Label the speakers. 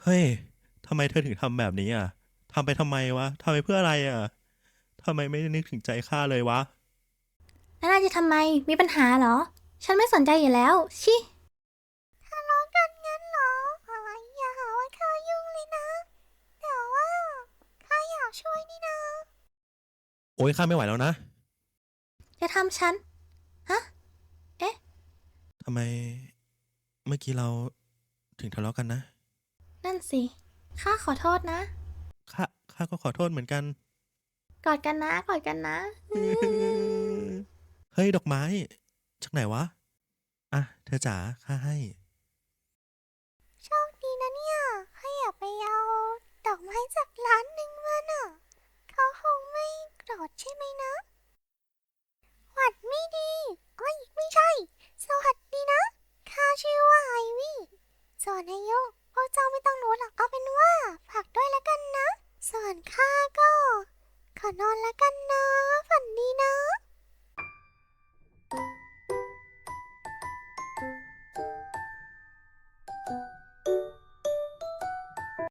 Speaker 1: เฮ้ยทำไมเธอถึงทำแบบนี้อ่ะทำไปทำไมวะทำไปเพื่ออะไรอ่ะทำไมไม่นึกถึงใจข้าเลยวะ
Speaker 2: แล้วนายจะทำไม มีปัญหาเหรอ ฉันไม่สนใจอยู่แล้ว ชิทะเลาะกันงั้นเหรออะไรอย่าหาว่าข้ายุ่งเลยนะแต่ว่าข้าอยากช่วยนี่นะ
Speaker 1: โอ๊ยข้าไม่ไหวแล้วนะ
Speaker 2: จะทำฉัน ฮะ เอ๊ะ
Speaker 1: ทำไมเมื่อกี้เราถึงทะเลาะกันนะ
Speaker 2: นั่นสิ ข้าขอโทษนะ
Speaker 1: ข้าก็ขอโทษเหมือนกัน
Speaker 2: กอดกันนะ กอดกันนะอืม
Speaker 1: เฮ้ยดอกไม้จากไหนวะอ่ะเธอจ๋าข้าให้
Speaker 2: โชคดีนะเนี่ยข้าอยากไปเอาดอกไม้จากร้านหนึ่ง